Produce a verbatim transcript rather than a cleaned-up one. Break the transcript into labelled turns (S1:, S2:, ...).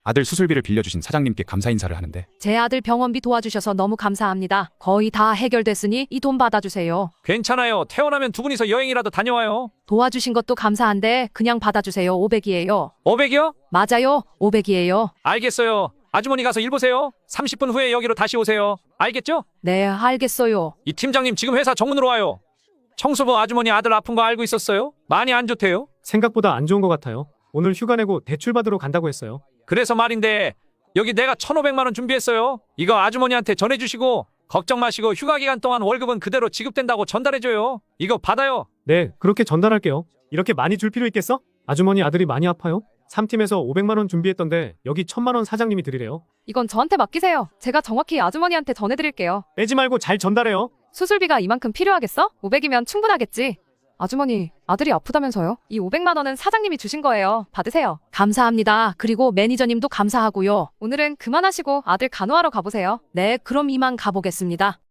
S1: 아들 수술비를 빌려주신 사장님께 감사 인사를 하는데
S2: 제 아들 병원비 도와주셔서 너무 감사합니다. 거의 다 해결됐으니 이 돈 받아주세요.
S3: 괜찮아요. 태어나면 두 분이서 여행이라도 다녀와요.
S2: 도와주신 것도 감사한데 그냥 받아주세요. 오백이에요.
S3: 오백이요?
S2: 맞아요. 오백이에요.
S3: 알겠어요. 아주머니 가서 일 보세요. 삼십 분 후에 여기로 다시 오세요. 알겠죠?
S2: 네, 알겠어요.
S3: 이 팀장님 지금 회사 정문으로 와요. 청소부 아주머니 아들 아픈 거 알고 있었어요? 많이 안 좋대요.
S4: 생각보다 안 좋은 것 같아요. 오늘 휴가 내고 대출 받으러 간다고 했어요.
S3: 그래서 말인데 여기 내가 천오백만 원 준비했어요. 이거 아주머니한테 전해주시고 걱정 마시고 휴가 기간 동안 월급은 그대로 지급된다고 전달해줘요. 이거 받아요.
S4: 네, 그렇게 전달할게요. 이렇게 많이 줄 필요 있겠어? 아주머니 아들이 많이 아파요? 삼 팀에서 오백만 원 준비했던데 여기 천만 원 사장님이 드리래요.
S2: 이건 저한테 맡기세요. 제가 정확히 아주머니한테 전해드릴게요.
S4: 빼지 말고 잘 전달해요.
S2: 수술비가 이만큼 필요하겠어? 오백이면 충분하겠지. 아주머니, 아들이 아프다면서요? 이 오백만 원은 사장님이 주신 거예요. 받으세요. 감사합니다. 그리고 매니저님도 감사하고요. 오늘은 그만하시고 아들 간호하러 가보세요. 네, 그럼 이만 가보겠습니다.